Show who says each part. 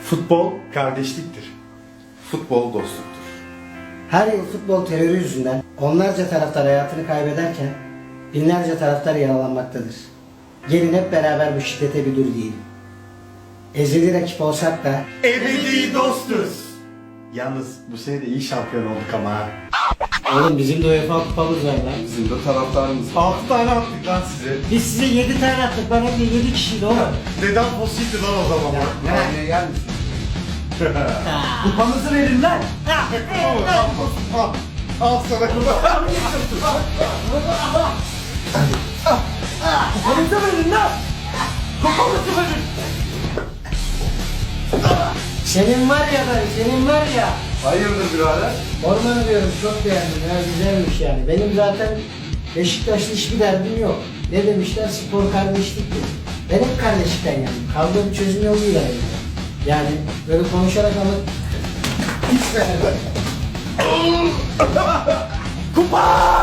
Speaker 1: Futbol kardeşliktir. Futbol dostluktur.
Speaker 2: Her yıl futbol terörü yüzünden onlarca taraftar hayatını kaybederken binlerce taraftar yaralanmaktadır. Gelin hep beraber bu şiddete bir dur diyelim. Ezeli rakip olsak da
Speaker 1: Ebedi dostuz. Yalnız bu sene de iyi şampiyon olduk ama ha.
Speaker 2: oğlum bizim de UEFA kupamız var lan.
Speaker 3: Bizim de taraftarımız.
Speaker 1: 6 tane attık lan size.
Speaker 2: Biz size 7 tane attık, ben hem de 7 kişiydi oğlum.
Speaker 1: Neden pozitifti lan o zaman?
Speaker 3: Yani yer misin?
Speaker 2: Kupamızı verin lan.
Speaker 1: Al sana kupa.
Speaker 2: Kupamızı verin lan. Kupamızı verin. Senin var ya ben, senin var ya.
Speaker 3: Hayırdır birader?
Speaker 2: Ormanı diyorum, çok beğendim ya, güzelmiş yani. Benim zaten Beşiktaş'la hiçbir derdim yok. Ne demişler, spor kardeşliktir. Ben hep kardeşlikten yandım. Kavga bir çözüm yoluyla yani. Yani böyle konuşarak ama hiç beğenmedim.
Speaker 1: Kupa!